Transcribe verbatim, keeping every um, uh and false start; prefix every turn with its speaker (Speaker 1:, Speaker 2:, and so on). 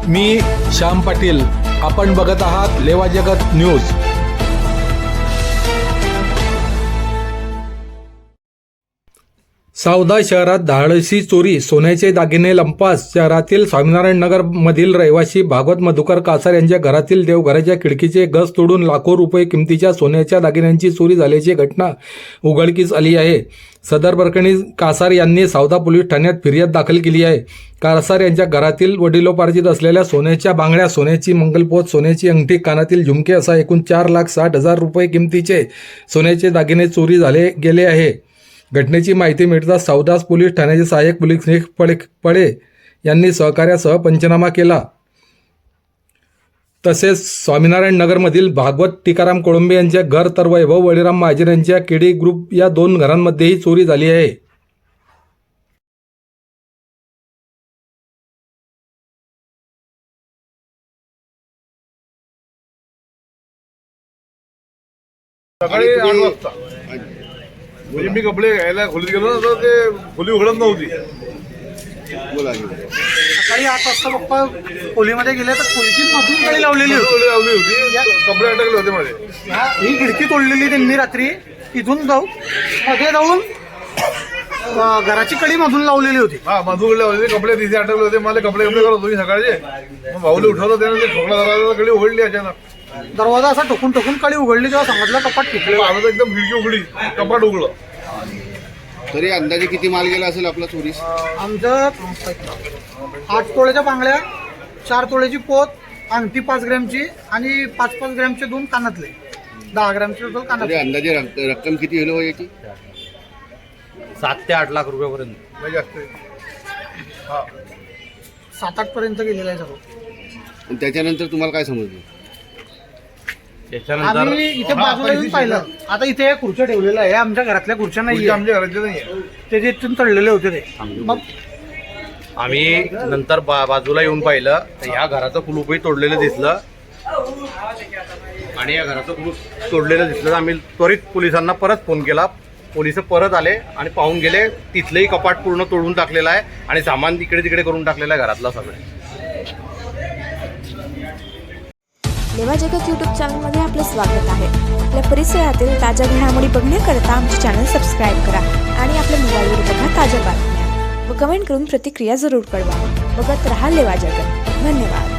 Speaker 1: मी श्याम पाटील, आपण बघत आहात लेवा जगत न्यूज। सावदा शहरात धाडसी चोरी, सोन्याचे दागिने लंपास। शहरातील स्वामीनारायण नगर मधील रहिवासी भागवत मधुकर कासार यांच्या घरातील देवघराच्या खिडकीचे गज तोडून लाखो रुपये किमतीच्या सोन्याच्या दागिन्यांची चोरी झाल्याची घटना उघडकीस आली आहे। सदर प्रकरणी कासार यांनी सावदा पोलीस ठाण्यात फिर्याद दाखल केली आहे। कासार यांच्या घरातील वडिलोपार्जित असलेल्या सोन्याच्या बांगड्या, सोन्याची मंगलपोत, सोन्याची अंगठी, कानातील झुमके असा एकूण चार लाख साठ हजार रुपये किमतीचे सोन्याचे दागिने चोरी झाले गेले आहे। घटनेची माहिती मिळताच सावदा पोलीस ठाण्याचे सहाय्यक पोलीस निरीक्षक पडे यांनी सहकार्यासह पंचनामा केला। तसेच स्वामीनारायण नगरमधील भागवत टिकाराम कोळंबे यांच्या घर तर वैभव बळीराम महाजन यांच्या केडी ग्रुप या दोन घरांमध्येही चोरी झाली आहे।
Speaker 2: सकाळी आठ वाजता म्हणजे मी कपडे घ्यायला खोलीत गेलो ना, तर ते खोली उघडत नव्हती।
Speaker 3: सकाळी आठ वाजता पप्पा खोलीमध्ये गेले तर खोलीची मधून कडी लावलेली होती
Speaker 2: लावली होती कपडे अटकले होते माझे।
Speaker 3: ही खिडकी तोडलेली त्यांनी रात्री, इथून जाऊन मध्ये जाऊन घराची कडी मधून लावलेली होती।
Speaker 2: हा मधून लावले कपडे तिथे अटकले होते। मला कपडे कपडे करत होते सकाळचे। मग भाऊले उठवलं, त्याने ते ठोकला दरवाजा, कडी उघडली अचानक।
Speaker 3: दरवाजा असा टोकून टोकून कडी उघडली, तेव्हा समजलं कपाट तुटलं।
Speaker 2: आम्ही एकदम खिडकी उघडी, कपाट उघडलं।
Speaker 4: तरी अंदाजे किती माल गेला असेल आपला चोरीस?
Speaker 3: आमचं आठ तोळ्याच्या बांगड्या, चार तोळ्याची पोत, अंगठी पाच ग्रॅमची आणि पाच पाच ग्रॅमचे दोन कानातले, दहा ग्रॅमचे टोटल
Speaker 4: तरी
Speaker 3: कानातले।
Speaker 4: अंदाजे रक- रक्कम किती होईल हो याची?
Speaker 5: सात ते आठ लाख रुपयापर्यंत
Speaker 2: म्हणजे जास्त हा
Speaker 3: सात आठ पर्यंत गेलेलं आहे सगळं।
Speaker 4: आणि त्याच्यानंतर तुम्हाला काय समजलं?
Speaker 5: त्याच्यानंतर
Speaker 3: आम्ही इथे बाजूला येऊन पाहिलं, आता इथे खुर्च्या ठेवलेल्या आहे, आमच्या घरातल्या खुर्च्या
Speaker 2: खुर्ची
Speaker 3: नाही,
Speaker 2: आमच्या घरातले नाहीये।
Speaker 3: ते जे इथून तळलेले होते ते। मग
Speaker 5: आम्ही नंतर बा बाजूला येऊन पाहिलं तर ह्या घराचं कुलूपही तोडलेलं दिसलं आणि या घराचं कुलूप तोडलेलं दिसलं तर आम्ही त्वरित पोलिसांना परत फोन केला। पोलिस परत आले आणि पाहून गेले, तिथलंही कपाट पूर्ण तोडून टाकलेलं आहे आणि सामान इकडे तिकडे करून टाकलेलं आहे घरातला सगळं।
Speaker 6: लेवा जगत यूट्यूब चॅनलमध्ये आपलं स्वागत आहे। आपल्या परिसरातील ताज्या घडामोडी बघण्याकरता आमचे चॅनल सबस्क्राईब करा आणि आपल्या मोबाईलवर बघा ताज्या बातम्या व कमेंट करून प्रतिक्रिया जरूर कळवा। बघत रहा लेवा जगत। धन्यवाद।